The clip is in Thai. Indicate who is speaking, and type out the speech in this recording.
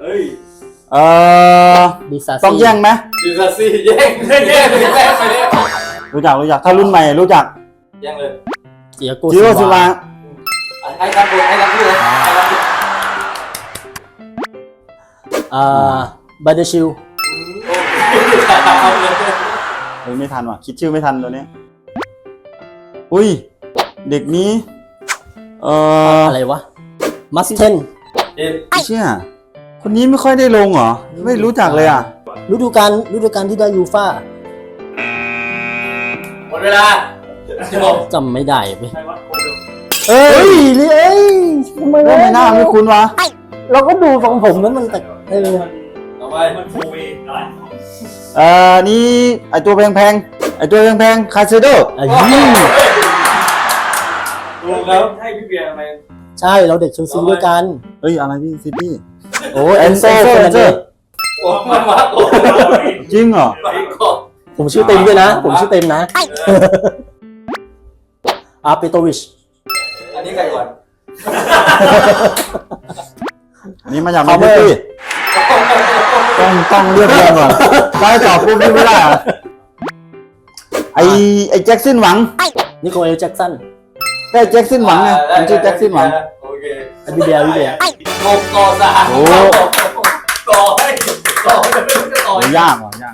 Speaker 1: ฮ้ย
Speaker 2: ดิซา
Speaker 3: ต้องแย่งไหม
Speaker 1: ดิซาซี่แย่งไปเนี่ย
Speaker 3: รู้จักถ้ารุ่นใหม่รู้จัก
Speaker 1: แย่งเลย
Speaker 2: เจียโก
Speaker 3: จิโร่ซิลวา
Speaker 1: ให้รับพูดให้รับพูดเลยให้รับพูด
Speaker 2: บาเดชิล
Speaker 3: เฮ้ยไม่ทันว่ะคิดชื่อไม่ทันตัวเนี้ยอุ้ยเด็กนี้
Speaker 2: อะไรวะมัสเทน
Speaker 3: เชี่ยคนนี้ไม่ค่อยได้ลงเหรอไม่รู้จักเลยอ่ะ
Speaker 2: ฤดูกาลที่ได้ยูฟ่า
Speaker 1: หมดเวลาจบ
Speaker 2: จำไม่ได้ไป
Speaker 1: ใครวะคนเดียว
Speaker 2: เอ้ยทำไม
Speaker 3: ไม่น่าไม่คุ้นวะ
Speaker 2: เราก็ดูของผมนั้นมันแต่
Speaker 1: ต่อไปมันฟูวีอะไร
Speaker 3: นี่ไอตัวแพงคาเซโด
Speaker 1: ถูกแล้วให้พี่เบียร์ทำไม
Speaker 2: ใช่เราเด็กเชลซีด้วยกัน
Speaker 3: เฮ้ยอะไรพี่ซิตี้
Speaker 2: โอ้เอนโซเฟอร์นันเดส
Speaker 1: โอ้มาโอ้
Speaker 3: จริงเหรอ
Speaker 1: ไปก่อน
Speaker 2: ผมชื่อเต็มด้วยนะอาเปโตวิช
Speaker 1: อันนี้ใครก่อน
Speaker 3: นี่มาจากแมนซิตี้ต้องเรียบเรียงก่อนได้ตอบปุ๊บนี่ไม่ได้อะไอแจ็คสันหวัง
Speaker 2: นิโคลแจ็คสัน
Speaker 3: ได้แจ็คสันหวังไงมันชื่อแจ็คสันหวัง
Speaker 1: โอเค
Speaker 2: วิเดีย
Speaker 1: กบก่อสาร
Speaker 3: โอ้
Speaker 1: ก่อให้ก่อ
Speaker 3: โหยากว่ะ